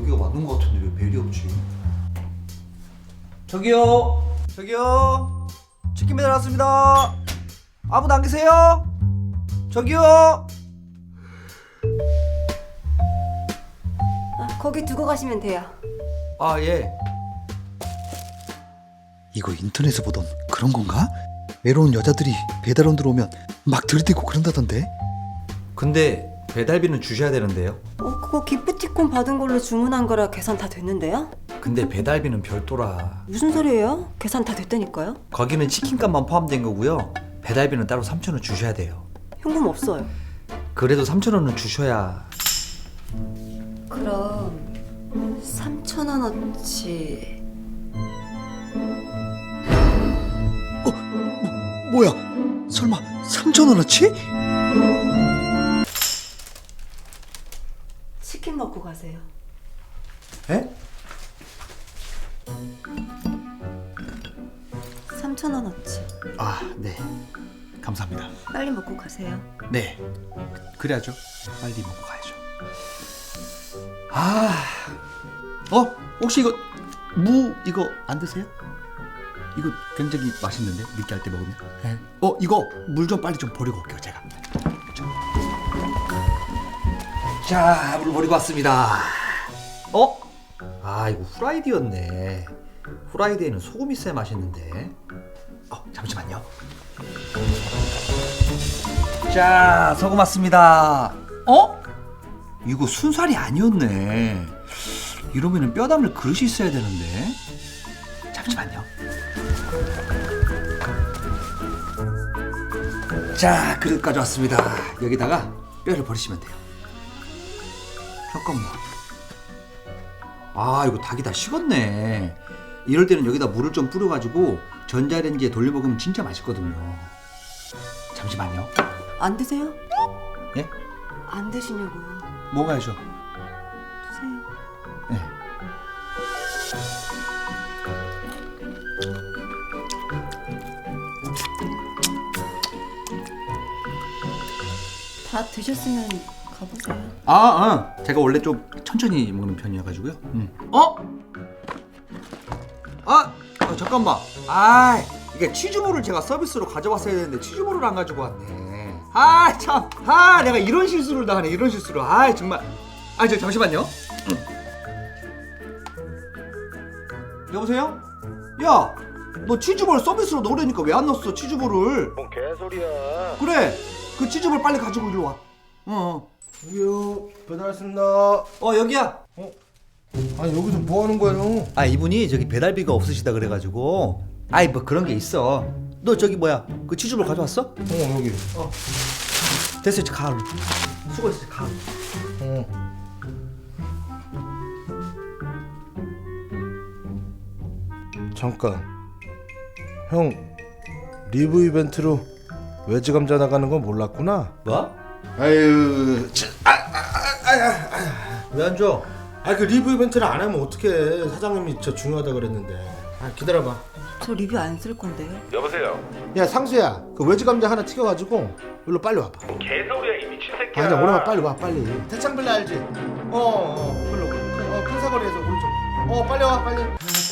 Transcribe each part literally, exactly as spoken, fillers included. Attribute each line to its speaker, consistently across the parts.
Speaker 1: 여기가 맞는 것 같은데 왜 벨이 없지? 저기요, 저기요, 치킨 배달 왔습니다. 아무도 안 계세요? 저기요.
Speaker 2: 아, 거기 두고 가시면 돼요.
Speaker 1: 아 예. 이거 인터넷에 보던 그런 건가? 외로운 여자들이 배달원 들어오면 막 들이대고 그런다던데. 근데 배달비는 주셔야 되는데요.
Speaker 2: 어, 그거 기프티콘 받은 걸로 주문한 거라 계산 다 됐는데요?
Speaker 1: 근데 배달비는 별도라.
Speaker 2: 무슨 소리예요? 계산 다 됐다니까요?
Speaker 1: 거기는 치킨값만 포함된 거고요. 배달비는 따로 삼천 원 주셔야 돼요.
Speaker 2: 현금 없어요.
Speaker 1: 그래도 삼천 원은 주셔야.
Speaker 2: 그럼 삼천 원어치.
Speaker 1: 어, 뭐, 뭐야? 설마 삼천 원어치?
Speaker 2: 치킨 먹고 가세요.
Speaker 1: 에?
Speaker 2: 삼천 원어치.
Speaker 1: 아, 네. 감사합니다.
Speaker 2: 빨리 먹고 가세요.
Speaker 1: 네. 그래야죠. 빨리 먹고 가야죠. 아, 어? 혹시 이거 무 이거 안 드세요? 이거 굉장히 맛있는데 느끼할 때 먹으면. 네. 어, 이거 물 좀 빨리 좀 버리고 올게요, 제가. 자, 물 버리고 왔습니다. 어? 아, 이거 후라이드였네. 후라이드에는 소금 있어야 맛있는데. 어, 잠시만요. 자, 소금 왔습니다. 어? 이거 순살이 아니었네. 이러면은 뼈 담을 그릇이 있어야 되는데. 잠시만요. 자, 그릇 가져왔습니다. 여기다가 뼈를 버리시면 돼요. 잠깐만. 아, 이거 닭이 다 식었네. 이럴 때는 여기다 물을 좀 뿌려가지고 전자레인지에 돌려 먹으면 진짜 맛있거든요. 잠시만요.
Speaker 2: 안 드세요?
Speaker 1: 예?
Speaker 2: 안 드시냐고요.
Speaker 1: 먹어야죠.
Speaker 2: 드세요.
Speaker 1: 네.
Speaker 2: 다 드셨으면 가보세요.
Speaker 1: 아, 어. 제가 원래 좀 천천히 먹는 편이어가지고요. 음. 어? 아, 어, 잠깐만. 아, 이게 치즈볼을 제가 서비스로 가져왔어야 되는데 치즈볼을 안 가지고 왔네. 아, 참. 아, 내가 이런 실수를 당하네. 이런 실수를. 아, 정말. 아, 저 잠시만요. 음. 여보세요? 야, 너 치즈볼 서비스로 넣으려니까 왜 안 넣었어? 치즈볼을.
Speaker 3: 뭔 개소리야.
Speaker 1: 그래. 그 치즈볼 빨리 가지고 일로 와. 어. 어.
Speaker 3: 여기요. 배달 왔습니다.
Speaker 1: 어, 여기야.
Speaker 3: 아니 여기서 뭐 하는 거예요?
Speaker 1: 아, 이분이 저기 배달비가 없으시다 그래가지고. 아이, 뭐 그런 게 있어. 너 저기 뭐야, 그 치즈볼 가져왔어?
Speaker 3: 어 여기.
Speaker 1: 어. 됐어, 이제 가. 수고했어, 가.
Speaker 3: 어. 잠깐. 형 리브 이벤트로 외지 감자 나가는 건 몰랐구나.
Speaker 1: 뭐?
Speaker 3: 아유. 아,
Speaker 1: 왜 안 줘?
Speaker 3: 아 그 리브 이벤트를 안 하면 어떡해. 사장님이 저 중요하다 그랬는데. 아 기다려봐.
Speaker 2: 저 리뷰 안 쓸 건데요.
Speaker 4: 여보세요.
Speaker 3: 야 상수야, 그 외지 감자 하나 튀겨가지고 일로 빨리 와봐.
Speaker 4: 개소리야 이 미친 새끼야.
Speaker 3: 아니야 오랜만 빨리 와 빨리. 대창빌라 알지? 어어 글로 어, 큰 사거리에서 오른쪽. 어 빨리 와 빨리.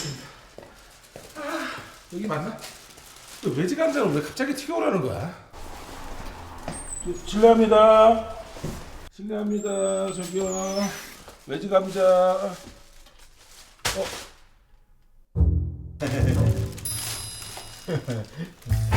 Speaker 5: 여기 맞나? 또 외지 감자는 왜 갑자기 튀겨오라는 거야? 실례합니다. 실례합니다. 저기요. 외지 감자. 어.